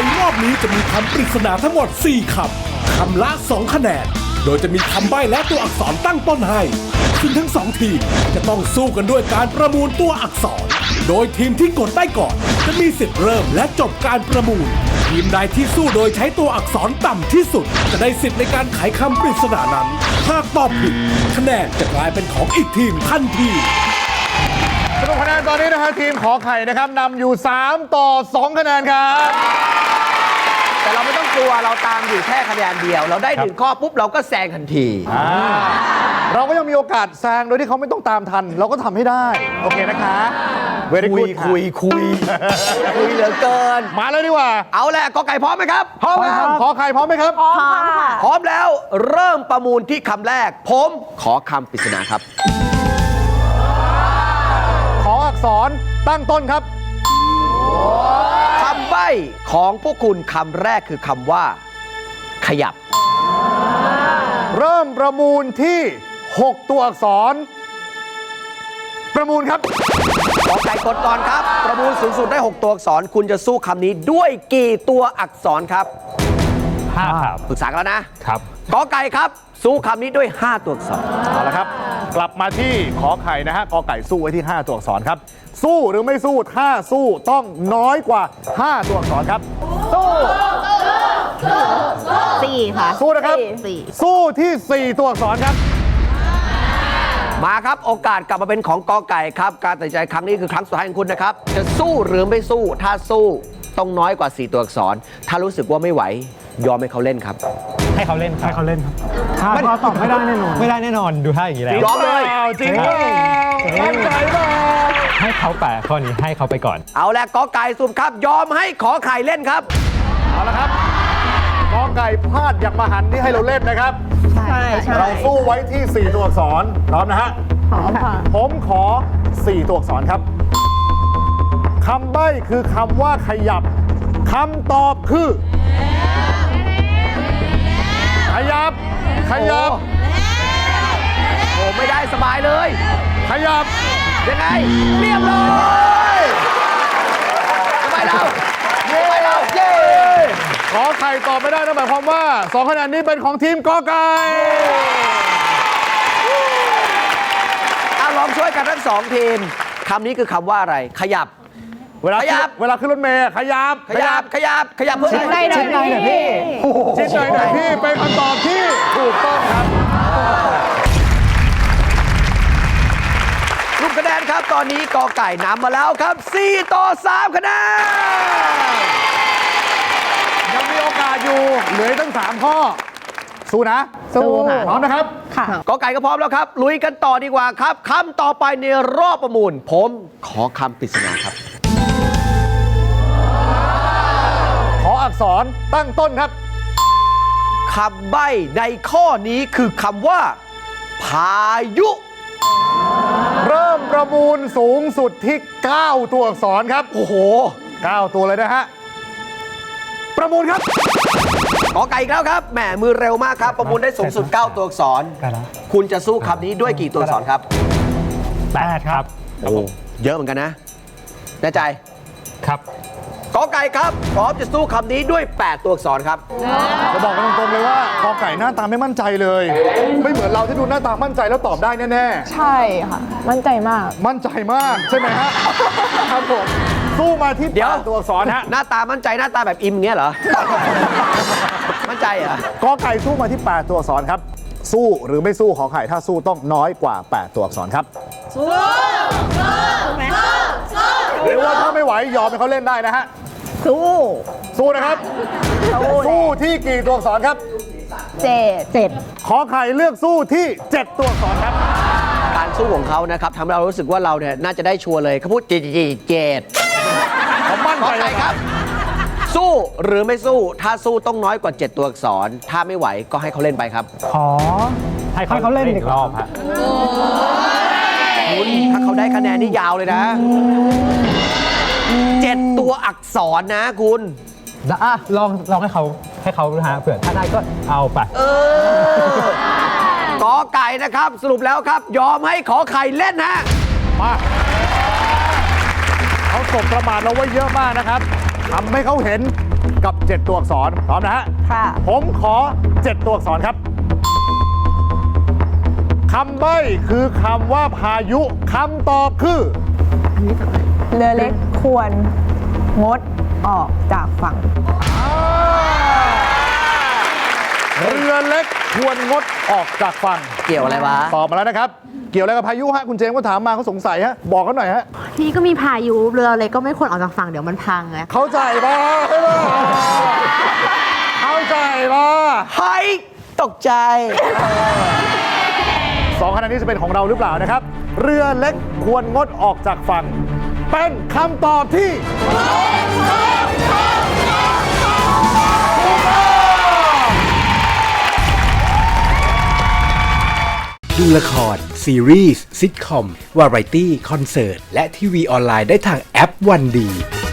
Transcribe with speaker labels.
Speaker 1: รอบนี้จะมีคำปริศนาทั้งหมด4คำคำละ2คะแนนโดยจะมีคำใบ้และตัวอักษรตั้งต้นให้ซึ่งทั้ง2ทีมจะต้องสู้กันด้วยการประมูลตัวอักษรโดยทีมที่กดได้ก่อนจะมีสิทธิ์เริ่มและจบการประมูลทีมใดที่สู้โดยใช้ตัวอักษรต่ำที่สุดจะได้สิทธิ์ในการไขคำปริศนานั้นหากตอบผิดคะแนนจะกลายเป็นของอีกทีมทันที
Speaker 2: สรุปคะแนนตอนนี้นะฮะทีมขอไข่นะครับนำอยู่3-2คะแนนครับ
Speaker 3: แต่เราไม่ต้องกลัวเราตามอยู่แค่คะแนนเดียวเราได้1ข้อปุ๊บเราก็แซงทันที
Speaker 2: เราก็ยังมีโอกาสแซงโดยที่เขาไม่ต้องตามทันเราก็ทำให้ได้โอเคนะคะ
Speaker 3: คุยเหลือเกิน
Speaker 2: มาเลยดีกว่า
Speaker 3: เอาแหละกอไก่พร้อมไหมครับ
Speaker 2: พร้อมครับขอไข่พร้อมไหมครับ
Speaker 4: พร้อมค่ะ
Speaker 3: พร้อมแล้วเริ่มประมูลที่คำแรกผมขอคำปริศนาครับ
Speaker 2: ขออักษรตั้งต้นครับ
Speaker 3: คำใบ้ของพวกคุณคำแรกคือคำว่าขยับ
Speaker 2: เริ่มประมูลที่6ตัวอักษรประมูลครับ
Speaker 3: ขอไก่กดก่อนครับประมูลสูงสุดได้6ตัวอักษรคุณจะสู้คำนี้ด้วยกี่ตัวอักษรครับ
Speaker 5: 5ครับ
Speaker 3: ปรึกษากันแล้วนะครับกอไก่ครับสู้คำนี้ด้วย5ตัวอักษร
Speaker 2: เอาละครับกลับมาที่ขอไข่นะฮะกอไก่สู้ไว้ที่5ตัวอักษรครับสู้หรือไม่สู้ถ้าสู้ต้องน้อยกว่า5ตัวอักษรครับ
Speaker 4: 4ค่ะ
Speaker 2: สู้นะครับสู้ที่4ตัวอักษรครับ
Speaker 3: มาครับโอกาสกลับมาเป็นของกอไก่ครับการตัดสินใจครั้งนี้คือครั้งสุดท้ายของคุณนะครับจะสู้หรือไม่สู้ถ้าสู้ต้องน้อยกว่า4ตัวอักษรถ้ารู้สึกว่าไม่ไหวยอมให้เขาเล่นครับ
Speaker 5: ให้เขาเล่นครับให้เขาเล่นครับ
Speaker 2: ถ้าตอบไม่ได้แน่นอน
Speaker 5: ไม่ได้แน่นอนดูท่าอย่างนี้แล้ว
Speaker 3: ยอมเลย
Speaker 2: จริงมั่นใจเปล่า
Speaker 5: ให้เขาแปะข้อนี้ให้เขาไปก่อน
Speaker 3: เอาแหละกอไก่สุ่มครับยอมให้ขอไข่เล่นครับ
Speaker 2: เอาละครับกอไก่พลาดอย่างมหันต์ที่ให้เราเล่นนะครับ
Speaker 4: ใช่
Speaker 2: เราสู้ไว้ที่4ตัวอักษรพร้อมนะฮะ
Speaker 4: พร้อมค่ะ
Speaker 2: ผมขอ4ตัวอักษรครับคำใบ้คือคำว่าขยับคำตอบคือขยับ
Speaker 3: โอ้ไม่ได้สบายเลย
Speaker 2: ขยับ
Speaker 3: ยังไงเรียบร้อยสบายแล้วเย้
Speaker 2: ขอไข่ตอบไม่ได้นั่นหมายความว่า2คะแนนนี้เป็นของทีมกอไก่
Speaker 3: ลองช่วยกันทั้ง2ทีมคำนี้คือคำว่าอะไรขยับ
Speaker 2: เวลาขึ้นรถเมล์ขยับเพื่อ
Speaker 4: ชิดหน่อยพี่
Speaker 2: ชิดหน่อยพี่เป็นคำตอบที่ถูกต้องครับ
Speaker 3: ลูกคะแนนครับตอนนี้กอไก่นำมาแล้วครับ4-3คะแนน
Speaker 2: ยังมีโอกาสอยู่เหลือตั้ง3ข้อสู้นะพร้อมนะครับ
Speaker 4: ค่ะ
Speaker 3: กอไก่ก็พร้อมแล้วครับลุยกันต่อดีกว่าครับคำต่อไปในรอบประมูลผมขอคำปริศนาครับ
Speaker 2: ขออักษรตั้งต้นครับ
Speaker 3: คำใบ้ในข้อนี้คือคำว่าพายุ
Speaker 2: เริ่มประมูลสูงสุดที่9ตัวอักษรครับ
Speaker 3: โอ้โห
Speaker 2: 9ตัวเลยนะฮะประมูลครับ
Speaker 3: กอไก่อีกแล้วครับแหมมือเร็วมากครับประมูลได้สูงสุด9ตัวอักษรคุณจะสู้คำนี้ด้วยกี่ตัวอักษรครับ
Speaker 5: 8ครับ
Speaker 3: โอ้เยอะเหมือนกันนะแน่ใจ
Speaker 5: ครับ
Speaker 3: กอไก่ครับพร้อมจะสู้คำนี้ด้วย8ตัวอักษรครับ
Speaker 2: จะบอกกันตรงๆเลยว่ากอไก่หน้าตาไม่มั่นใจเลยไม่เหมือนเราที่ดูหน้าตามั่นใจแล้วตอบได้แน่
Speaker 4: ๆใช่ค่ะมั่นใจมาก
Speaker 2: ใช่ไหมฮะครับผมสู้มาที่8ตัวอักษรฮะ
Speaker 3: หน้าตามั่นใจหน้าตาแบบอิมเงี้ยเหรอมั่นใจเหรอก
Speaker 2: อไก่สู้มาที่8ตัวอักษรครับสู้หรือไม่สู้ขอไข่ถ้าสู้ต้องน้อยกว่า8ตัวอักษรครับสู้หรือว่าถ้าไม่ไหวยอมให้เขาเล่นได้นะฮะสู้นะครับสู้ที่กี่ตัวอักษรครับ
Speaker 4: 7
Speaker 2: ขอไข่เลือกสู้ที่7ตัวอักษรครับ
Speaker 3: การสู้ของเขานะครับทำให้เรารู้สึกว่าเราเนี่ยน่าจะได้ชัวร์เลยเขาพูด7
Speaker 2: ผมมั่นใจ
Speaker 3: ครับสู้หรือไม่สู้ถ้าสู้ต้องน้อยกว่า7ตัวอักษรถ้าไม่ไหวก็ให้เขาเล่นไปครับ
Speaker 5: ขอให้เขาเล่นอีกรอบฮะ
Speaker 3: คุณถ้าเขาได้คะแนนนี่ยาวเลยนะ7ตัวอักษรนะคุณ
Speaker 5: ลองให้เขาหาเผื่อถ้าได้ก็เอาไป
Speaker 3: กอไก่นะครับสรุปแล้วครับยอมให้ขอไข่เล่นฮะ
Speaker 2: มาเขาสบประมาทเราไว้เยอะมากนะครับทำให้เขาเห็นกับ 7 ตัวอักษรพร้อมนะฮะ
Speaker 4: ค่ะ
Speaker 2: ผมขอ 7 ตัวอักษรครับคำใบ้คือคำว่าพายุคำตอบคือ
Speaker 4: เรือเล็กควรงดออกจากฝั่ง
Speaker 2: เรือเล็กควรงดออกจากฝั่ง
Speaker 3: เกี่ยวอะไรวะ
Speaker 2: ตอบมาแล้วนะครับ เกี่ยวอะไรกับพายุฮะคุณเจมส์ก็ถามมาเขาสงสัยฮะบอกเขาหน่อยฮะ
Speaker 6: นี่ก็มีพายุเรือเล็กก็ไม่ควรออกจากฝั่งเดี๋ยวมันพังไง
Speaker 2: เข้าใจป่ะเข้าใจป่ะ
Speaker 3: เฮ้ย ตกใจ
Speaker 2: 2 คะแนนนี้จะเป็นของเราหรือเปล่านะครับ เรือเล็กควรงดออกจากฝั่ง เป็นคำตอบที่
Speaker 1: ดูละคร ซีรีส์ซิทคอม วาไรตี้ คอนเสิร์ต และทีวีออนไลน์ได้ทางแอปวันดี